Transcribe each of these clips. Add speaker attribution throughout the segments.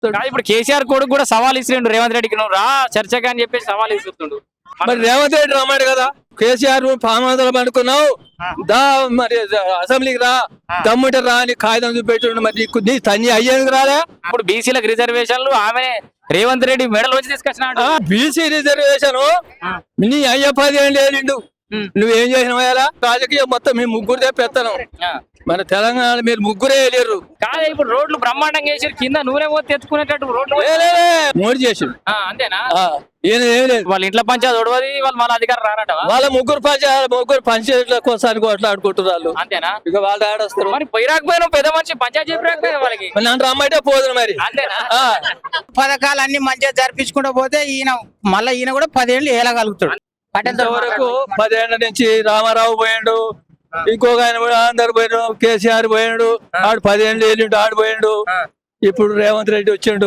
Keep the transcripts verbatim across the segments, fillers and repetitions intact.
Speaker 1: చెప్తాడు.
Speaker 2: ఇప్పుడు కేసీఆర్ కొడుకు కూడా సవాల్ ఇస్తుండు రేవంత్ రెడ్డికి, నువ్వు రా చర్చగా అని చెప్పేసి సవాల్ ఇస్తుండు.
Speaker 1: మరి రేవంత్ రెడ్డి రమ్మాడు కదా, కేసీఆర్ పామాదలు అనుకున్నావు దా మరి అసెంబ్లీకి రా, దమ్ముంటే రా అని కాగితం చూపెట్టుండు. మరి నీకు నీ తన్ని అయ్యేందుకు రాలే?
Speaker 2: ఇప్పుడు బీసీలకు రిజర్వేషన్లు ఆమె రేవంత్ రెడ్డి మెడల్ వచ్చి తీసుకొచ్చినాడు.
Speaker 1: బీసీ రిజర్వేషన్ నీ అయ్య పది ఏం లేనిండు, నువ్వేం చేసినావు? రాజకీయం మొత్తం మీ ముగ్గురు తెప్పెత్తాను. మన తెలంగాణ మీరు ముగ్గురే వెళ్ళారు.
Speaker 2: కాదు ఇప్పుడు రోడ్లు బ్రహ్మాండంగా వేసారు, కింద నూనె పోతే ఎత్తుకునేటట్టు రోడ్లు
Speaker 1: మోడీ చేసిండు.
Speaker 2: అంతేనా?
Speaker 1: ఈయన ఏం లేదు,
Speaker 2: వాళ్ళ ఇంట్లో పంచాయతీ ఒడవది, వాళ్ళు మన అధికారం రానట.
Speaker 1: వాళ్ళ ముగ్గురు పంచాయతీ ముగ్గురు పంచాయతీల కోసానికి కొట్లాడుకుంటున్నారు వాళ్ళు.
Speaker 2: అంతేనా?
Speaker 1: ఇక వాళ్ళు ఆడొస్తారు.
Speaker 2: మరి పోయి రాకపోయినా పెద్ద మనిషి పంచాయతీ చెప్పి రాకపోయినా వాళ్ళకి
Speaker 1: నన్ను రమ్మంటే పోదు. మరి
Speaker 2: అంతేనా?
Speaker 3: పథకాలు అన్ని మంచిగా జరిపించుకుంటూ పోతే ఈయన మళ్ళీ ఈయన కూడా పదేళ్ళు ఏలగలుగుతాడు.
Speaker 1: ఇంతవరకు పదేళ్ల నుంచి రామారావు పోయిండు, ఇంకొక ఆయన కూడా అందరు పోయినాడు, కేసీఆర్ పోయిండు, ఆడు పదేళ్ళు వెళ్ళిండు, ఆడు పోయిండు. ఇప్పుడు రేవంత్ రెడ్డి వచ్చిండు,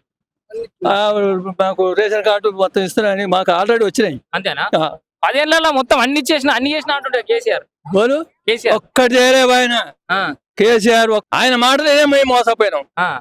Speaker 1: మాకు రేషన్ కార్డు మొత్తం ఇస్తున్నారని మాకు ఆల్రెడీ వచ్చినాయి.
Speaker 2: అంతేనా? పదేళ్లలో మొత్తం అన్ని చేసిన అన్ని చేసిన అంటుండే కేసీఆర్.
Speaker 1: బోలు
Speaker 2: కేసీఆర్
Speaker 1: ఒక్కటి చేయలేవు ఆయన. కేసీఆర్ ఆయన మాటలే మేము మోసపోయినాం.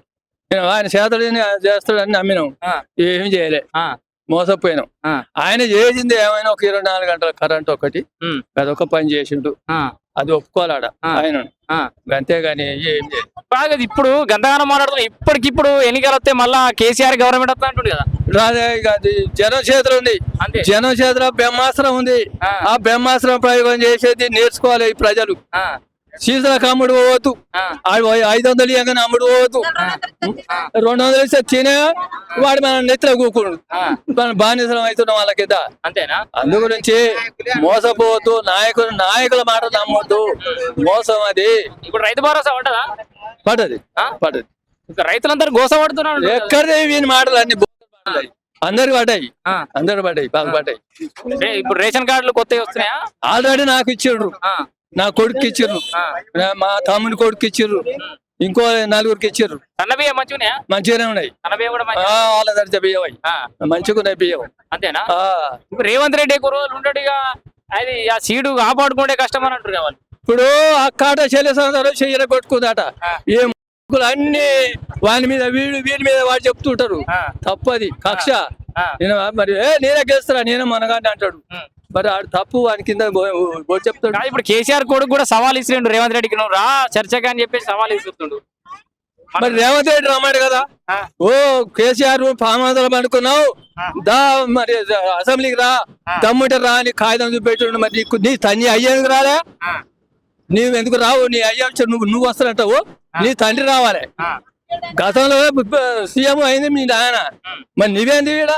Speaker 1: ఆయన చేతడని చేస్తాడని నమ్మినాం, ఏమి చేయలే, మోసపోయినాం. ఆయన చేసింది ఏమైనా ఒక ఇరవై నాలుగు గంటల కరెంట్ ఒకటి, అదొక పని చేసిండు, అది ఒప్పుకోవాలాడ ఆయన, అంతేగాని ఏం చేయలేదు.
Speaker 2: బాగా ఇప్పుడు గందగానం మాట్లాడుతున్నా. ఇప్పటికిప్పుడు ఎన్నికలు వస్తే మళ్ళా కేసీఆర్ గవర్నమెంట్ వస్తా అంటుంది కదా.
Speaker 1: రాదే అది జనం చేతులు ఉంది, జనం చేతిలో బ్రహ్మాస్త్రం ఉంది. ఆ బ్రహ్మాస్త్రం ప్రయోగం చేసేది నేర్చుకోవాలి ఈ ప్రజలు. సీజన్లకు అమ్ముడు పోవద్దు, ఐదు వందలు ఇవ్వగానే అమ్ముడు పోవద్దు, రెండు వందలు ఇస్తే తినే వాడు మన నెత్తిలో కూకుడు, మనం బానిసలం అవుతున్నాం వాళ్ళ కింద.
Speaker 2: అంతేనా?
Speaker 1: అందు గురించి మోసపోవద్దు, నాయకులు నాయకుల మాట నమ్మొద్దు, మోసం అది.
Speaker 2: ఇప్పుడు రైతు భరోసా పడ్డదా?
Speaker 1: పడ్డది పడ్డది.
Speaker 2: రైతులందరూ గోస పడుతున్నారు.
Speaker 1: ఎక్కడే వీని మాటలు అన్ని అందరికి పడ్డాయి, అందరు పడ్డాయి, బాగా పడ్డాయి.
Speaker 2: ఇప్పుడు రేషన్ కార్డులు కొత్తవి వస్తున్నాయా?
Speaker 1: ఆల్రెడీ నాకు ఇచ్చిండ్రు, నా కొడుకు ఇచ్చిర్రు, మా తమ్ముని కొడుకు ఇచ్చిర్రు, ఇంకో నలుగురికి ఇచ్చిర్రు.
Speaker 2: సన్న బియ్యం మంచిగా
Speaker 1: మంచిగానే ఉన్నాయి, వాళ్ళ దర్జా బియ్యం అవి మంచిగా ఉన్నాయి బియ్యం.
Speaker 2: అంతేనా? ఇప్పుడు రేవంత్ రెడ్డి ఎక్కువ రోజులు ఉంటాడు, ఇక అది ఆ సీడు కాపాడుకుంటే కష్టం అని అంటారు కావాలి.
Speaker 1: ఇప్పుడు అక్కాట చెల్లె సంవత్సరాలు చెయ్యర కొట్టుకుందాట, ఏ అన్ని వాని మీద వీడు వీడి మీద వాడు చెప్తుంటారు, తప్పది కక్ష. నేను మరి ఏ నేనే గెలుస్తారా, నేనే మనగానే అంటాడు, మరి ఆడు తప్పు, వాని కింద చెప్తాడు.
Speaker 2: ఇప్పుడు కేసీఆర్ కొడుకు కూడా సవాల్ ఇస్తుండు రేవంత్ రెడ్డికి, నువ్వు రా చర్చగా అని చెప్పేసి సవాల్ ఇస్తుండు.
Speaker 1: మరి రేవంత్ రెడ్డి రమ్మాడు కదా, ఓ కేసీఆర్ పామాదలు అనుకున్నావు దా మరి అసెంబ్లీకి రా, దమ్ముంటే రా అని కాగితం చూపెట్టుండు. మరి నీకు నీ తన్ని అయ్యేందుకు రాలే? నీవు ఎందుకు రావు? నీ అయ్యా నువ్వు నువ్వు వస్తానంటావు, నీ తండ్రి రావాలి. గతంలో సీఎం అయింది మీ నాయన, మరి నీవేంది ఈడ?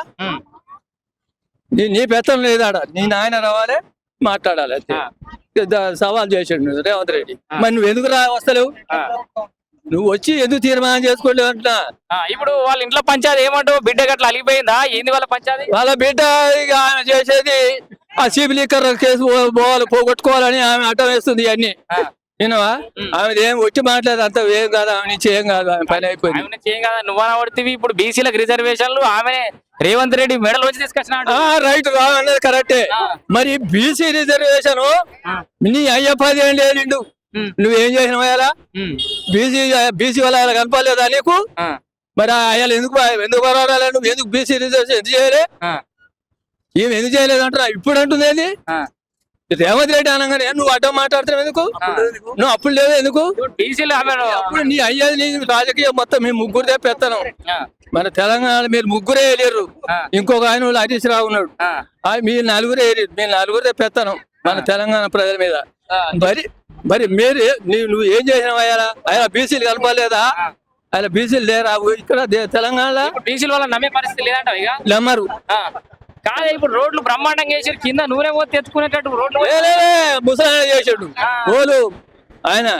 Speaker 1: నీ నీ పెత్తనం లేదాడ, నీ నాయన రావాలి, మాట్లాడాలి అంతే. సవాల్ చేసాడు రేవంత్ రెడ్డి, మరి నువ్వు ఎందుకు రా వస్తలేవు? నువ్వు వచ్చి ఎందుకు తీర్మానం చేసుకోలేవు అంటున్నా.
Speaker 2: ఇప్పుడు వాళ్ళ ఇంట్లో పంచాయతీ ఏమంటావు? బిడ్డ గట్ల అలిగిపోయిందా? ఏంది వాళ్ళ పంచాయతీ?
Speaker 1: వాళ్ళ బిడ్డ ఇక ఆయన చేసేది ఆ సిబి లీకర్ కేసు పోవాలి, పోగొట్టుకోవాలని ఆమె అడ్డం వేస్తుంది. ఇవన్నీ వినవా? ఆమె ఏం వచ్చి మాట్లాడదు, అంత ఏం కాదు, ఆమె నుంచి ఏం కాదు, ఆమె పని అయిపోయింది.
Speaker 2: ఏం కాదు, నువ్వు పడుతుంది. ఇప్పుడు బీసీలకు రిజర్వేషన్లు ఆమె రేవంత్ రెడ్డి మెడల్ వచ్చి తీసుకొచ్చినాడు.
Speaker 1: రైట్, అన్నది కరెక్టే. మరి బీసీ రిజర్వేషన్ నీ అయ్య పది ఏం లేనిండు, నువ్వేం చేసినావు? బీసీ బీసీ వాళ్ళ కనపడలేదా నీకు? మరి అయ్యాలు ఎందుకు ఎందుకు పర్వాలేదు, నువ్వు ఎందుకు బీసీ రిజర్వేషన్ ఎందుకు చేయలే? ఏమి ఎందుకు చేయలేదు అంటున్నా. ఇప్పుడు అంటుంది ఏంది రేవంత్ రెడ్డి అనగానే నువ్వు అడ్డం మాట్లాడుతున్నావు ఎందుకు? నువ్వు అప్పుడు లేదు ఎందుకు? అప్పుడు నీ అయ్యేది నీ రాజకీయం మొత్తం మీ ముగ్గురు తెప్పెత్తాను. మన తెలంగాణ మీరు ముగ్గురే వెళ్ళారు, ఇంకొక ఆయన వాళ్ళు హరీష్ రావు ఉన్నాడు, మీరు నలుగురే వెళ్ళారు, మీరు నలుగురు తెప్పెత్తాను మన తెలంగాణ ప్రజల మీద. మరి మరి మీరు నువ్వు ఏం చేసినావు? అయ్యారా ఆయన బీసీలు కలపలేదా? ఆయన బీసీలు లేరా ఇక్కడ తెలంగాణలో?
Speaker 2: బీసీల వల్ల నమ్మే పరిస్థితి లేదంట ఇక
Speaker 1: నమ్మరు.
Speaker 2: కాదు ఇప్పుడు రోడ్లు బ్రహ్మాండంగా వేసారు, కింద నూనె పోతే ఎత్తుకునేటట్టు రోడ్లు
Speaker 1: ముసలాయన చేసాడు, ఓలు ఆయన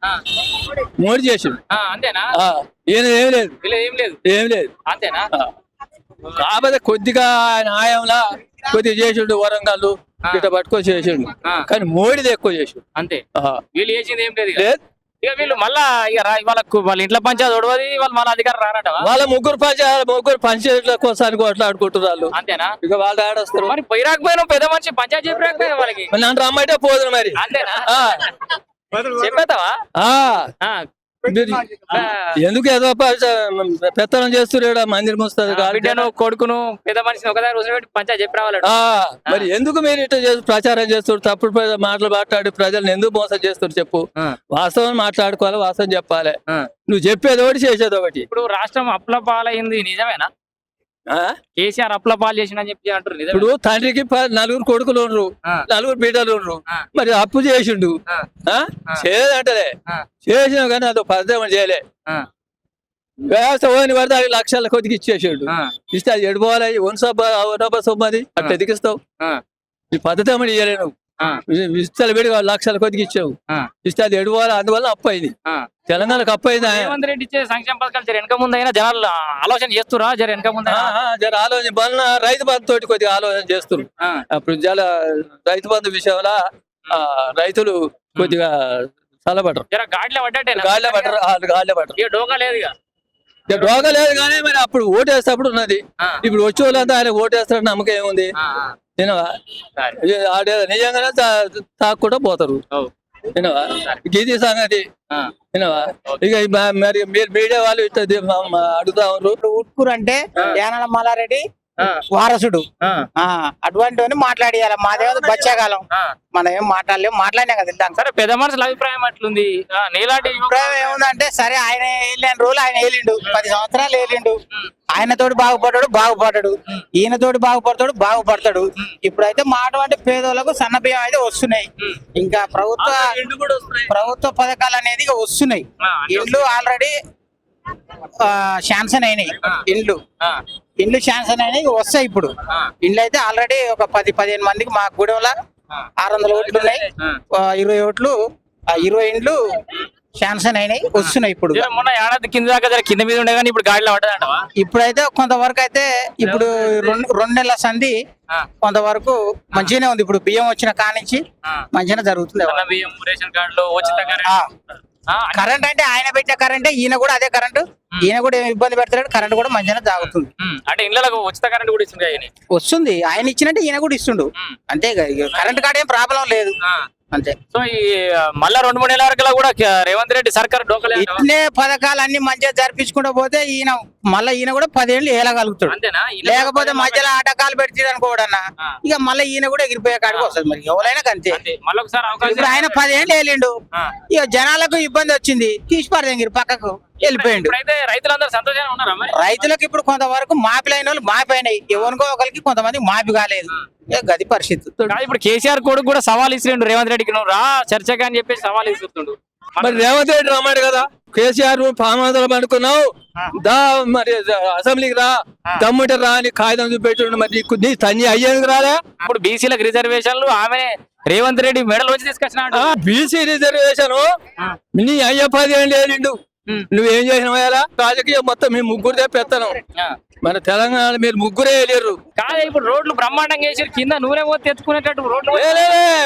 Speaker 1: మోడీ చేసాడు.
Speaker 2: అంతేనా?
Speaker 1: ఈయన ఏం లేదు,
Speaker 2: ఏం లేదు,
Speaker 1: ఏం లేదు.
Speaker 2: అంతేనా?
Speaker 1: కాకపోతే కొద్దిగా ఆయన ఆయంలా కొద్దిగా చేసిండు, వరంగల్ ఇట్లా పట్టుకొని చేసిండు, కానీ మోడీది ఎక్కువ చేసిండు.
Speaker 2: అంతే, వీళ్ళు చేసింది ఏం లేదు.
Speaker 1: లేదు
Speaker 2: ఇక వీళ్ళు మళ్ళా ఇక వాళ్ళకు వాళ్ళ ఇంట్లో పంచాయతీ ఒడవది, వాళ్ళు మన అధికారం రానట.
Speaker 1: వాళ్ళ ముగ్గురు పంచాయతీ ముగ్గురు పంచాయతీల కోసానికి కొట్లాడుకుంటున్నారు.
Speaker 2: అంతేనా?
Speaker 1: ఇక వాళ్ళు ఆడొస్తారు.
Speaker 2: మరి పోయి రాకపోయినా పెద్ద మనిషి పంచాయతీ చెప్పి రాకపోయినా వాళ్ళకి
Speaker 1: నన్ను రమ్మంటే పోదు. మరి
Speaker 2: అంతేనా? చెప్పేతావా?
Speaker 1: మీరు ఎందుకు ఏదో ప- పెత్తనం చేస్తున్నారు మందిరం వస్తుంది
Speaker 2: ఆ, బిడ్డను కొడుకును పెద్ద మనిషిని ఒకదాని రోజు పెట్టి పంచాయతీ చెప్పి రావాలట
Speaker 1: ఆ, మరి ఎందుకు మీరు ఇట్లా చేసి ప్రచారం చేస్తారు తప్పుడు ప్ర- మాటలు మాట్లాడి ప్రజలను ఎందుకు మోసం చేస్తారు చెప్పు
Speaker 2: ఆ.
Speaker 1: వాస్తవం మాట్లాడుకోవాలి వాస్తవం చెప్పాలి
Speaker 2: ఆ.
Speaker 1: నువ్వు చెప్పేది ఒకటి చేసేది ఒకటి
Speaker 2: ఇప్పుడు రాష్ట్రం అప్ల పాలైంది నిజమేనా
Speaker 1: ఆ?
Speaker 2: కేసీఆర్ అప్ల పాలు చేసిండని చెప్పి అంటారు నిజమే
Speaker 1: ఇప్పుడు తండ్రికి ప- నలుగురు కొడుకులు ఉండ్రు
Speaker 2: ఆ.
Speaker 1: నలుగురు బిడ్డలు ఉండ్రు
Speaker 2: ఆ.
Speaker 1: మరి అప్పు చేసిండు
Speaker 2: ఆ.
Speaker 1: ఆ? చేయదంటలే
Speaker 2: ఆ.
Speaker 1: చేసిన కానీ అదో పద్ధతి చేయలే
Speaker 2: ఆ.
Speaker 1: వ్యవస్థ పోని పడితే అవి లక్షల కొద్దికి ఇచ్చేసాడు
Speaker 2: ఆ.
Speaker 1: ఇస్తే అది ఎడిపోవాలి వన్ సబ్బ ఒనబ్బ సొమ్మది అట్లా ఎదిగిస్తావు
Speaker 2: ఆ.
Speaker 1: ఈ పద్ధతి ఏమని ఇయ్యలే నువ్వు
Speaker 2: ఆ.
Speaker 1: ఇస్తాలు పెడి లక్షల కొద్దికి ఇచ్చావు
Speaker 2: ఆ.
Speaker 1: ఇస్తే అది ఎడిపోవాలి అందువల్ల అప్పు అయింది
Speaker 2: ఆ.
Speaker 1: తెలంగాణకు అప్పు అయింది ఆ.
Speaker 2: రేవంత్ రెడ్డి ఇచ్చే సంక్షేమ పథకాలు జర వెనక ముందు అయినా జనాలు ఆలోచన చేస్తురా జర వెనక ముందు
Speaker 1: ఆ, ఆ, జర ఆలోచన బలన రైతు బంధు తోటి కొద్దిగా ఆలోచన చేస్తున్నారు అప్పుడు జల రైతు బంధు విషయంలో ఆ, రైతులు కొద్దిగా చల్లబడరు
Speaker 2: జర గాడిలో పడ్డట్టేనా
Speaker 1: గాలిలో పడరు వాళ్ళు గాలిలో పడరు
Speaker 2: ఇక డోకా లేదు ఇక
Speaker 1: ఇక రోగ లేదు కానీ మరి అప్పుడు ఓటేసేటప్పుడు ఉన్నది
Speaker 2: ఆ.
Speaker 1: ఇప్పుడు వచ్చే వాళ్ళంతా ఆయన ఓటేస్తారని నమ్మకం ఏముంది
Speaker 2: ఆ, ఆ.
Speaker 1: తినవా
Speaker 2: సరే.
Speaker 1: ఇది ఆడే నిజంగానే తా- తాక్కుండా పోతారు
Speaker 2: ఓ.
Speaker 1: వినవా గీది సంగతి
Speaker 2: ఆ.
Speaker 1: వినవా ఇక ఈ మ- మరి మీరు మీడియా వాళ్ళు ఇట్లా ది- మ- మ- అడుగుతా ఉన్నారు
Speaker 3: ఇప్పుడు ఉట్కూరు అంటే యానాల మల్లారెడ్డి
Speaker 2: ఆ.
Speaker 3: వారసుడు
Speaker 2: ఆ.
Speaker 3: ఆ అటువంటి మాట్లాడియాలి మాదేదో బచ్చాకాలం
Speaker 2: ఆ.
Speaker 3: మనం ఏం మాట్లాడలేము మాట్లాడినా కదా వెళ్తాం
Speaker 2: సరే పెద్ద మనుషుల అభిప్రాయం అట్లుంది ఆ, నీలాంటి యువకుడు-
Speaker 3: అభిప్రాయం ఏముందంటే సరే ఆయన వెళ్ళిన రోజులు ఆయన ఏలిండు పది సంవత్సరాలు ఏలిండు ఆయనతోటి బాగుపడ్డాడు బాగుపడ్డాడు ఈయనతోటి బాగుపడతాడు బాగుపడతాడు ఇప్పుడైతే మాట అంటే పేదోళ్ళకు సన్న బియ్యం అయితే వస్తున్నాయి ఇంకా ప్రభుత్వ ప్రభుత్వ పథకాలు అనేది ఇక వస్తున్నాయి
Speaker 2: ఆ,
Speaker 3: ఇండ్లు ఆల్రెడీ శాంక్షన్ అయినాయి ఇండ్లు
Speaker 2: ఆ.
Speaker 3: ఇండ్లు శాంక్షన్ అయినాయి ఇక వస్తాయి ఇప్పుడు
Speaker 2: ఆ.
Speaker 3: ఇండ్లు అయితే ఆల్రెడీ ఒక పది పదిహేను మందికి మా గూడెంలో ఆరు వందల ఓట్లు ఉన్నాయి
Speaker 2: ఆ.
Speaker 3: ఆ, ఇరవై ఓట్లు ఆ, ఇరవై ఇండ్లు శాంక్షన్ అయినాయి వస్తున్నాయి ఇప్పుడు
Speaker 2: జర మొన్న ఏడాది కింద దాకా జర కింద మీద ఉండే కానీ ఇప్పుడు గాడిలో పడ్డదంటవా
Speaker 3: ఇప్పుడైతే కొంతవరకు అయితే ఇప్పుడు రెండు రెండు నెలల సంధి
Speaker 2: ఆ.
Speaker 3: కొంతవరకు మంచిగానే ఉంది ఇప్పుడు బియ్యం వచ్చిన కానించి
Speaker 2: ఆ.
Speaker 3: మంచిగానే జరుగుతుంది
Speaker 2: సన్న బియ్యం రేషన్ కార్డులు ఉచిత కరెంట్.
Speaker 3: ఆ.
Speaker 2: ఆ,
Speaker 3: కరెంట్ అంటే ఆయన పెట్టిన కరెంటే ఈయన కూడా అదే కరెంటు ఈయన కూడా ఏమి ఇబ్బంది పెడతాడు కరెంట్ కూడా మంచిగానే తాగుతుంది
Speaker 2: ఉమ్, అంటే ఇళ్ళకు ఉచిత కరెంట్ కూడా ఇస్తుంది ఆయన
Speaker 3: వస్తుంది ఆయన ఇచ్చినట్టే ఈయన కూడా ఇస్తుండు అంతే కరెంట్ కార్డు ఏం ప్రాబ్లం లేదు అంతే
Speaker 2: సో ఈ ఆ, మళ్ళా రెండు మూడు నెలల వరకు కూడా క- రేవంత్ రెడ్డి సర్కార్ డోకలేదు
Speaker 3: ఇట్లే పథకాలు అన్ని మంచిగా జరిపించుకుంటూ పోతే ఈయన మళ్ళీ ఈయన కూడా పదేళ్ళు ఏలగలుగుతాడు
Speaker 2: అంతేనా ఇళ్ళకు
Speaker 3: లేకపోతే మధ్యలో ఆటకాలు పెట్టి అనుకోడన్నా
Speaker 2: ఆ.
Speaker 3: ఇక మళ్ళీ ఈయన కూడా ఎగిరిపోయే కాడికి వస్తుంది మరి ఎవరైనా అంతే
Speaker 2: అంతే మళ్ళీ ఒకసారి అవకాశం
Speaker 3: ఇప్పుడు ఆయన పదేళ్ళు వెళ్ళిండు
Speaker 2: ఆ.
Speaker 3: ఇక జనాలకు ఇబ్బంది వచ్చింది తీసి పడదెంగిరి పక్కకు వెళ్ళిపోయిండు
Speaker 2: ఇప్పుడైతే రైతులందరూ సంతోషంగా ఉన్నారా మరి
Speaker 3: రైతులకు ఇప్పుడు కొంతవరకు మాపిలైన వాళ్ళు మాపినాయి ఎవరికో ఒకరికి కొంతమంది మాపి కాలేదు ఇక గది పరిస్థితి
Speaker 2: కాదు, ఇప్పుడు కేసీఆర్ కొడుకు కూడా సవాల్ ఇస్తుండు రేవంత్ రెడ్డికి నువ్వు రా చర్చగా అని చెప్పేసి సవాల్ ఇస్తుండు
Speaker 1: మరి రేవంత్ రెడ్డి రమ్మాడు కదా కేసీఆర్ పామాదలు పడుకున్నావు దా మరి అసెంబ్లీకి రా దమ్ముంటే రా అని కాగితం చూపెట్టుండు మరి నీకు నీ తన్ని అయ్యేందుకు రాలే
Speaker 2: ఇప్పుడు బీసీలకు రిజర్వేషన్లు ఆమె రేవంత్ రెడ్డి మెడల్ వచ్చి తీసుకొచ్చినాడు
Speaker 1: బీసీ రిజర్వేషన్ నీ అయ్య పది ఏళ్ళు ఏలిండు నువ్వేం చేసినావు రాజకీయం మొత్తం మీ ముగ్గురిదే పెత్తనం మన తెలంగాణ మీరు ముగ్గురే వెళ్ళారు
Speaker 2: కాదు ఇప్పుడు రోడ్లు బ్రహ్మాండంగా వేసారు కింద నూనె పోతే ఎత్తుకునేటట్టు రోడ్లు
Speaker 1: లే, లే, లే.